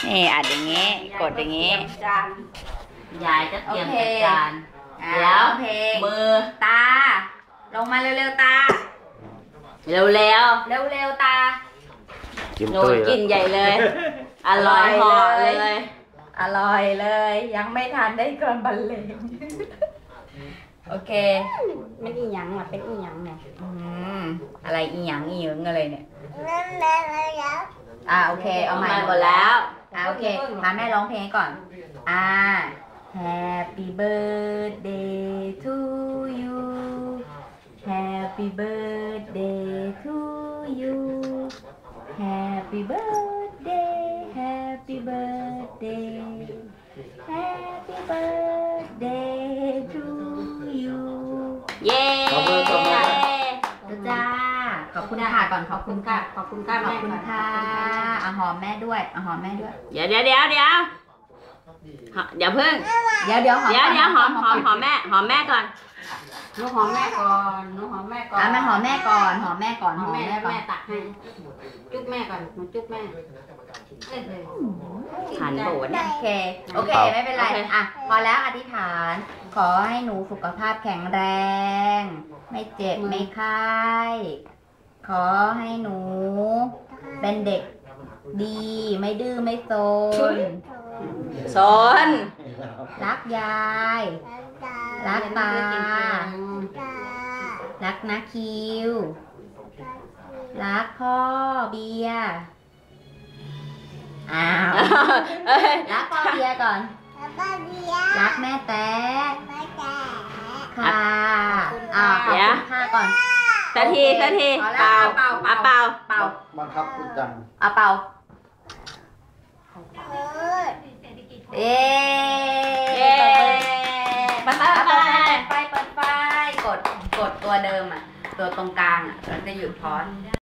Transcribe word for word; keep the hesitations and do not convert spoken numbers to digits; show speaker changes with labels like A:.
A: นี่อัดอย่างงี้ กดอย่างงี้
B: ยายจะเตรียมจัดจานเดี๋ยวมือ
A: ตาลงมาเร็วๆตา
B: เร็วเร็ว
A: เร็วเร็วตา
B: โน่นกินใหญ่เลยอร่อยหอเลย
A: อร่อยเลยยังไม่ทานได้ก่อนบรรเลงโอเค
B: มันอีหยังอ่ะเป็นอีหยังเนี่ย
A: อืมอะไรอีหยังอีหยังอะไรเนี่ยอ่าโอเคเอาใหม่
B: หมดแล้ว
A: อ่าโอเคพาแม่ร้องเพลงก่อนอ่า Happy birthday to you Happy birthday to you Happy birthday Happy birthday Happy birthday to you
B: เย้
A: จ้าขอบคุณค่ะก่อนขอบคุณค่ะ
B: ขอบคุณค่ะ
A: ขอบคุณค่ะเอาหอมแม่ด้วยเอาหอมแม่ด้วย
B: เดี๋ยวเดี๋ยวเดี๋ยวเดี๋ยวเดี๋ยวเพิ่ง
A: เดี๋ยวเดี๋ยวหอม
B: เดี๋ยวเดี๋ยวหอมหอมหอมแม่หอมแม่ก่อนหนูหอมแม่ก่อนหนูหอมแม่ก่อน
A: อ่ะแม่หอมแม่ก่อนหอมแม่ก่อนหอมแม่ก่อน
B: แม่ตักให้จุ๊บแม่ก่อนหนูจุ๊บแม่หันโบด
A: โอเคโอเคไม่เป็นไรอ่ะพอแล้วอธิษฐานขอให้หนูสุขภาพแข็งแรงไม่เจ็บไม่ไข้ขอให้หนูเป็นเด็กดีไม่ดื้อไม่โซน
B: โซน
A: รักยายรักตารักนาคิวรักพ่อเบียร์อ้าวรักพ่อเบียร์ก่อนรักแม่แต๊ะค่ะอ่าขอบคุณค่ะก่อน
B: สักทีสักทีเป่าเป่าเป่าเป่า
C: บังคับคุณจัง
A: อ่ะเป่าเอ๊ไปไปไปไปไปกดกดตัวเดิมอ่ะตัวตรงกลางอ่ะมันจะหยุดพอส